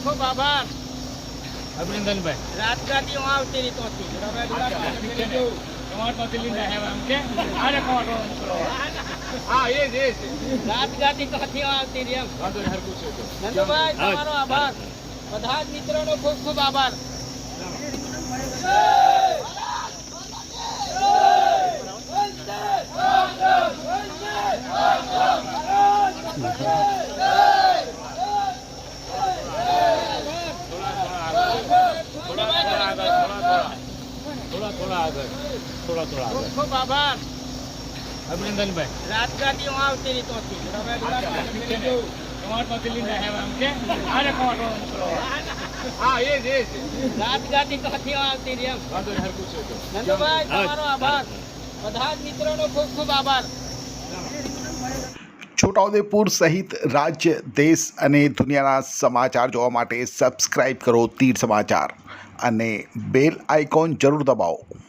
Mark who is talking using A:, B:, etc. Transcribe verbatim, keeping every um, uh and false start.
A: ખૂબ આભાર
B: અભિનંદનભાઈ.
A: રાજગાદીઓ આવતી રીતો હતી
B: ટમાટરમાંથી લીધા હે આમ કે આને ટમાટરો મોકલો. હા એ જ એ જ.
A: રાજગાદી તો હતી આવતી રહી એમ
B: વાંધો નહીં, હરખું છે તો.
A: નંદુભાઈ તમારો આભાર બધા જ મિત્રોનો ખૂબ ખૂબ આભાર
B: થોડા થોડા આગળ થોડા થોડા
A: ખૂબ
B: આગળ.
A: ખૂબ આભાર
B: અભિનંદનભાઈ.
A: રાજગાદીઓ આવતી રીતો હતી
B: ટમાટરમાંથી લીધા હે આમ કે આને ટમાટરો મોકલો. હા એ જ એ જ.
A: રાજગાદી તો હતી આવતી રહી એમ
B: વાંધો નહીં, હરખું છે તો.
A: નંદુભાઈ તમારો આભાર બધા જ મિત્રોનો ખૂબ ખૂબ આભાર
C: છોટાઉદેપુર સહિત રાજ્ય દેશ અને દુનિયાના સમાચાર જોવા માટે સબસ્ક્રાઇબ કરો તીર સમાચાર અને બેલ આઇકોન જરૂર દબાવો.